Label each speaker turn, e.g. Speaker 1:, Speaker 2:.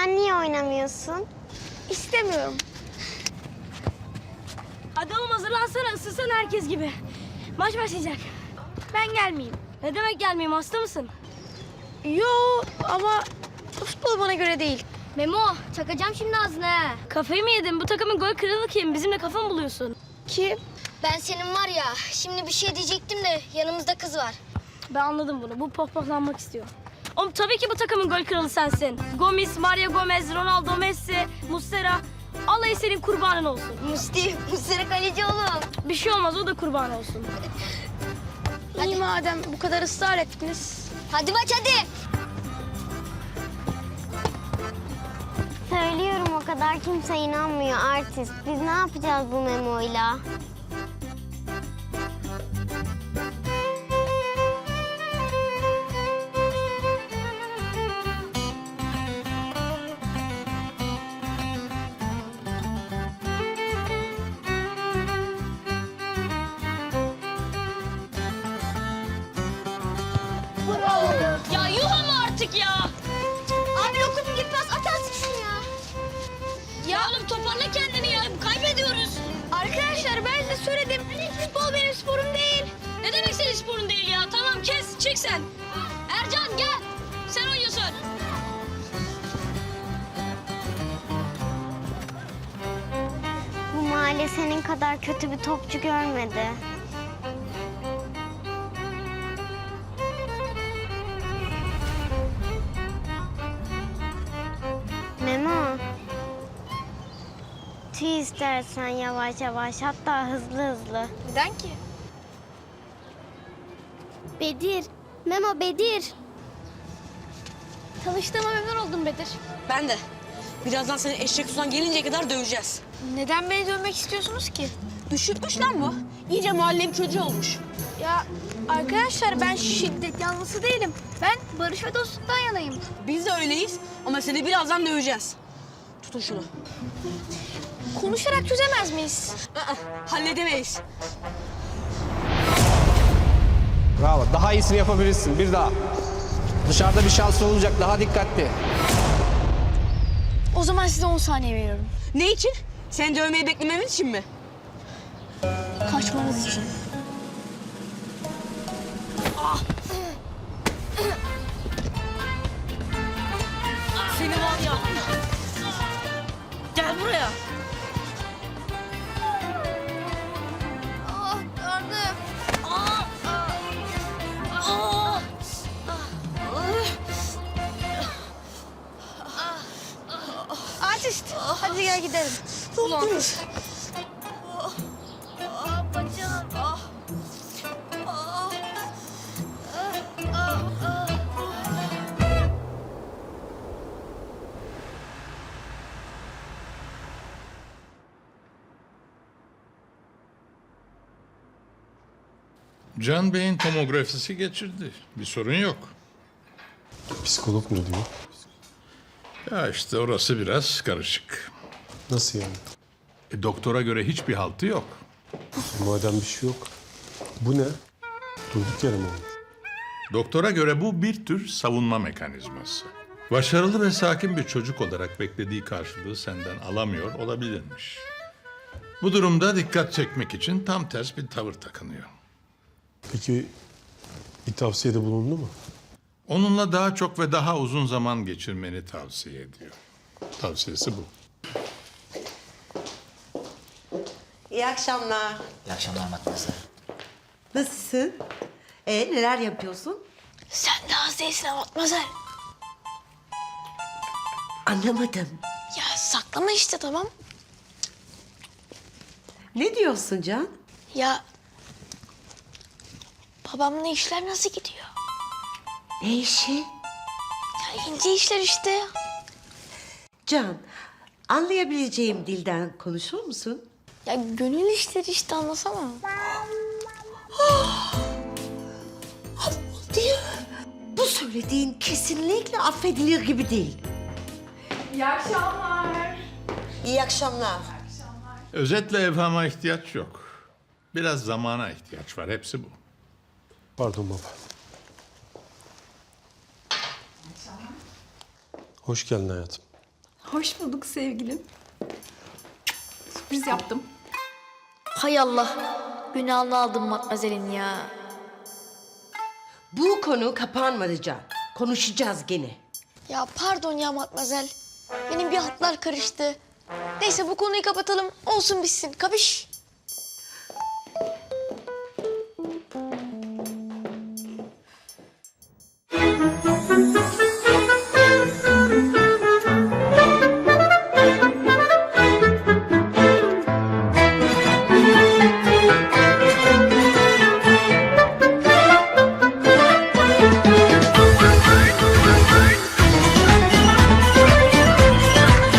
Speaker 1: sen niye oynamıyorsun?
Speaker 2: İstemiyorum.
Speaker 3: Hadi oğlum hazırlansana, ısınsana herkes gibi. Maç başlayacak.
Speaker 2: Ben gelmeyeyim.
Speaker 3: Ne demek gelmeyeyim, hasta mısın?
Speaker 2: Yo ama futbol bana göre değil.
Speaker 3: Memo, çakacağım şimdi ağzına ha. Kafayı mı yedin? Bu takımın gol kralı kim? Bizimle kafa mı buluyorsun?
Speaker 2: Kim?
Speaker 4: Ben senin var ya, şimdi bir şey diyecektim de yanımızda kız var.
Speaker 3: Ben anladım bunu. Bu pohpohlanmak istiyor. Oğlum tabii ki bu takımın gol kralı sensin. Gomis, Mario Gomez, Ronaldo, Messi, Muslera. Allah senin kurbanın olsun.
Speaker 4: Muslera kaleci oğlum.
Speaker 3: Bir şey olmaz, o da kurban olsun.
Speaker 2: İyi madem bu kadar ısrar ettiniz.
Speaker 4: Hadi maç hadi.
Speaker 1: Söylüyorum o kadar kimse inanmıyor artist. Biz ne yapacağız bu Memo'yla?
Speaker 3: Ya yuh ama artık ya.
Speaker 4: Abi lokum gitmez, at artık şunu ya.
Speaker 3: Ya oğlum toparla kendini ya. Kaybediyoruz.
Speaker 2: Arkadaşlar ben size söyledim. Futbol benim sporum değil.
Speaker 3: Ne demek senin sporun değil ya? Tamam kes, çık sen. Ercan gel. Sen oynuyorsun.
Speaker 1: Bu mahalle senin kadar kötü bir topçu görmedi. Memo. Tüy istersen yavaş yavaş, hatta hızlı hızlı.
Speaker 2: Neden ki?
Speaker 4: Bedir, Memo Bedir.
Speaker 2: Tanıştığıma memnun oldum Bedir.
Speaker 5: Ben de. Birazdan seni eşek sudan gelinceye kadar döveceğiz.
Speaker 2: Neden beni dövmek istiyorsunuz ki?
Speaker 5: Üşütmüş lan bu. İyice mahallenin çocuğu olmuş.
Speaker 2: Ya arkadaşlar ben şiddet yanlısı değilim. Ben barış ve dostluktan yanayım.
Speaker 5: Biz de öyleyiz ama seni birazdan döveceğiz. Tutun şunu.
Speaker 2: Konuşarak çözemez miyiz?
Speaker 5: Halledemeyiz.
Speaker 6: Bravo. Daha iyisini yapabilirsin. Bir daha. Dışarıda bir şans olacak. Daha dikkatli.
Speaker 2: O zaman size 10 saniye veriyorum.
Speaker 5: Ne için? Seni dövmeyi beklememiz için mi?
Speaker 2: Kaçmanız için.
Speaker 3: Seni var ya. Gel buraya.
Speaker 2: Ah karnım. Artist, hadi gel gidelim. Ulan.
Speaker 7: Can Bey'in tomografisi geçirdi. Bir sorun yok.
Speaker 8: Psikolog ne diyor?
Speaker 7: Ya işte orası biraz karışık.
Speaker 8: Nasıl yani?
Speaker 7: Doktora göre hiçbir haltı yok.
Speaker 8: Madem bir şey yok. Bu ne? Durduk yere mi olmuş?
Speaker 7: Doktora göre bu bir tür savunma mekanizması. Başarılı ve sakin bir çocuk olarak beklediği karşılığı senden alamıyor olabilirmiş. Bu durumda dikkat çekmek için tam ters bir tavır takınıyor.
Speaker 8: Peki bir tavsiyede bulundu mu?
Speaker 7: Onunla daha çok ve daha uzun zaman geçirmeni tavsiye ediyor. Tavsiyesi bu.
Speaker 9: İyi akşamlar.
Speaker 10: İyi akşamlar Matmazel.
Speaker 9: Nasılsın? Neler yapıyorsun?
Speaker 2: Sen de az değilsin Matmazel.
Speaker 9: Anlamadım.
Speaker 2: Ya saklama işte tamam.
Speaker 9: Ne diyorsun Can?
Speaker 2: Ya babamla işler nasıl gidiyor?
Speaker 9: Ne işi?
Speaker 2: Ya ince işler işte.
Speaker 9: Can, anlayabileceğim dilden konuşur musun?
Speaker 2: Ya gönül işleri işte anlasana.
Speaker 9: Değil. Bu söylediğin kesinlikle affedilir gibi değil.
Speaker 11: İyi akşamlar.
Speaker 9: İyi akşamlar.
Speaker 7: Özetle evhama ihtiyaç yok. Biraz zamana ihtiyaç var. Hepsi bu.
Speaker 8: Pardon baba. Hoş geldin hayatım.
Speaker 11: Hoş bulduk sevgilim. Sürpriz yaptım.
Speaker 2: Hay Allah. Günahını aldım Matmazel'in ya.
Speaker 9: Bu konu kapanmadı Can. Konuşacağız gene.
Speaker 4: Ya pardon ya Matmazel. Benim bir hatlar karıştı. Neyse bu konuyu kapatalım. Olsun bitsin. Kapış.